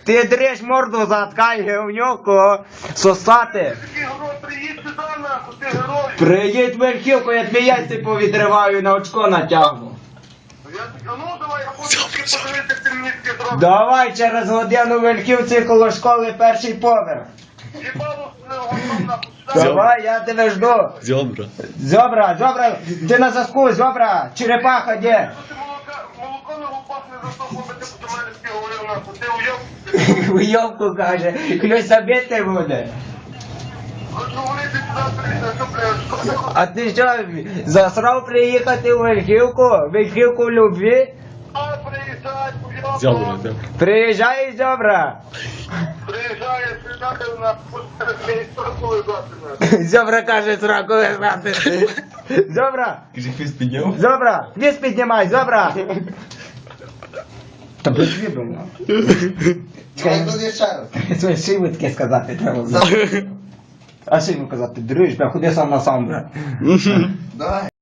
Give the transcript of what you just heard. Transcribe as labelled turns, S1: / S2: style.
S1: Ти дриж морду заткай, гівнюку, сосати.
S2: Такий герой, приїдь сюди, нахуй, ти герой.
S1: Приїдь в Верхівку, я твій яйці повідриваю, на очко натягну.
S2: Я так, ну давай, я хочу подивитися, як ти мені таке зробиш.
S1: Давай через годину в Верхівці коло школи перший поверх.
S2: Їбало готом, нахуй, сюди.
S1: Давай, я тебе жду.
S3: Зьобра.
S1: Зобра, ти на зв'язку, Зобра, черепаха де?
S2: Що ти молоко на губах не засохло, би ти до мене таке говорив, нахуй, ти уйоб.
S1: Уйовку каже, хтось забити буде.
S2: Хочу говорити сюди, прийти, що, блядь,
S1: А ти що, засрав приїхати у Верхівку? Верхівку в любві?
S2: а, приїжджай, уйоб.
S3: Зьобра, зьобра.
S1: Приїжджай, Зобра.
S2: Приїжджає, сюди, нахуй, мені сторону лежати, нахуй.
S1: Зобра каже, сраку лежати. Зобра,
S3: Кажи, хвіст підняв.
S1: Зобра, віз піднімай, Зобра. Та без відомо.
S4: Чекай, тут є ще раз.
S1: Своє шийку таке сказати треба. А що йому казати? Дриж, бля, ходи сам на сам, бля.
S4: Давай.